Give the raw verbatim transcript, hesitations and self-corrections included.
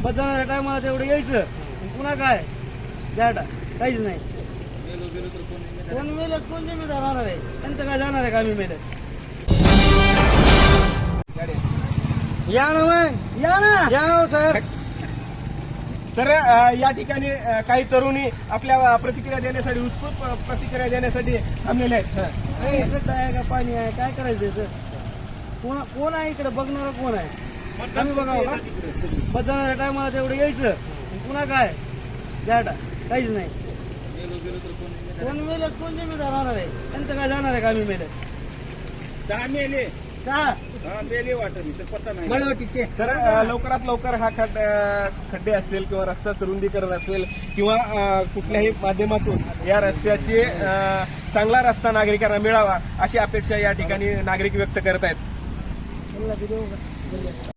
मतदानाच्या टायमाला तेवढं यायचं आणि पुन्हा काय द्याटा काहीच नाही. कोण मेलं कोण जिम्मेदार राहणार आहे त्यांचं काय जाणार आहे का आम्ही मेलं. या ना मग या ना या हो सर. तर अ, या ठिकाणी अ, काही तरुणी आपल्या प्रतिक्रिया देण्यासाठी उत्स्फूर्त प्रतिक्रिया देण्यासाठी थांबलेले आहेत. ए, इकडं आहे का पाणी आहे काय करायचं सर. कोण कोण आहे इकडे बघणार कोण आहे आम्ही बघावं का. मतदानाच्या टायमाला तेवढं यायचं आणि पुन्हा काय द्याटा काहीच नाही. कोण मेलं कोण जिम्मेदार राहणार आहे त्यांचं काय जाणार आहे का आम्ही मेलं. दहा मेले सहा मेले वाटत पत्ता नाही. मळवटीचे तर अ, लवकरात लवकर हा खड्ड अ, खड्डे असतील किंवा रस्ता रुंदीकरण असेल किंवा अ, कुठल्याही माध्यमातून या रस्त्याचे अ, चांगला रस्ता नागरिकांना मिळावा अशी अपेक्षा या ठिकाणी नागरिक व्यक्त करत आहेत.